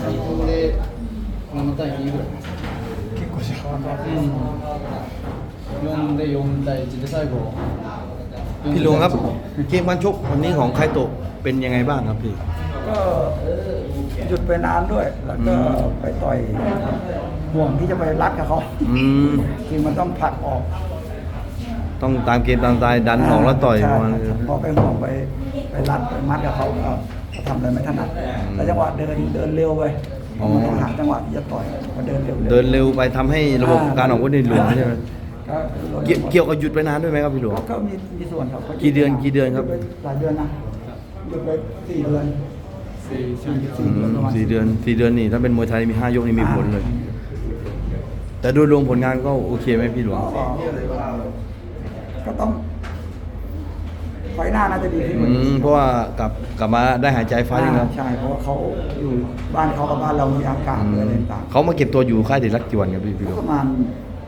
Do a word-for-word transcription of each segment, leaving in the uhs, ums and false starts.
最高でなな対にぐらい結構じゃあうんよんでよん対いちで最後พี่หลวงครับเกมการชกวันนี้ของไคโตะเป็นยังไงบ้างครับพี่ก็หยุดไปนานด้วย แล้วก็ไปต่อยห่วงที่จะไปรัดกับเขาอืมคือมันต้องผลักออกต้องตามเกมตามสไตล์ดันออกแล้วต่อยใช่ประมาณนี้พอไปห่วงไปไปรัดไปมัดกับเขาก็ทำอะไรไม่ถนัดแล้วจังหวะเดินเดินเร็วไปมันต้องหาจังหวะที่จะต่อยพอเดินเร็วๆเดินเร็วไปทำให้ระบบการออกอาวุธในหลวมใช่ไหมก็เกี่ยวเกี่ยวกับหยุดไปนานด้วยไหมครับพี่หลวงก็มีมีส่วนครับกี่เดือนกี่เดือนครับหยุไปหลายเดือนนะหยุดไปสี่เดือนสี่สี่อืเดือนมประมาณสี่เดือนสี่เดือนนี่ถ้าเป็นมวยไทยมีห้ายกนี่มีผลเลย แต่โดยรวมผลงานก็โอเคไหมพี่หลวงก็ก็ต้องไฟหน้าน่าจะดีขึ้นกอืว่านี้มเพราะว่ากลับกลับมาได้หายใจไฟล์นึงแล้วใช่เพราะว่าเขาอยู่บ้านเขากับบ้านเรามีอากาศอืหรือมอะไรต่างเขามาเก็บตัวอยู่ค่ายเด็กรักกี่วันครับพี่พี่หลวๆงประมาณ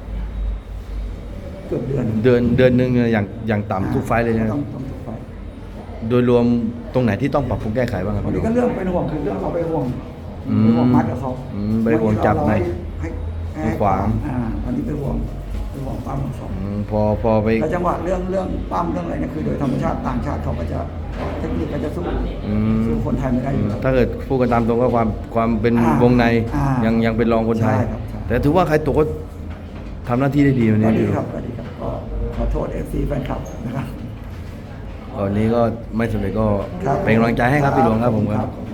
เกือบเดือนเดือนเดือนหนึ่งอย่างอย่างต่ำทุกไฟล์เลยนะต้องต้องทุกไฟล์โดยรวมตรงไหนที่ต้องปรับปรุงแก้ไขบ้างครับวันพี่หลนี้วงก็เรื่องเป็นห่วงคือเรื่องเอาไปห่วงอืมไปห่วงมัดกับเขาอืมไปห่วงจับในให้ให้มือขวาอ่าวันนี้ไปห่วงไปห่วงปั้มของเขาอืมพอพอไปแล้วจังหวะเรื่องเรื่องปั้มเรื่องอะไรเนี่ยคือโดยธรรมชาติต่างชาติเขาก็จะเทคนิคก็จะสู้อืมสู้คนไทยไม่ได้อยู่แล้วถ้าเกิดพูดกันตามตรงก็ความความเป็นอ่าวงในอ่ายัยังยังเป็นรองคนไทยใช่ครับใช่แต่ถือว่าใครตกก็ทำหน้าที่ได้ดีวันนี้ก็ดีพี่หลวงครับก็ดีครับก็ขอโทษเอฟซีแฟนคลับนะครับตอนนี้ก็ไม่สำเร็จก็ครับเป็นกำลังใจให้ครับพี่หลวงครับผมครับครับ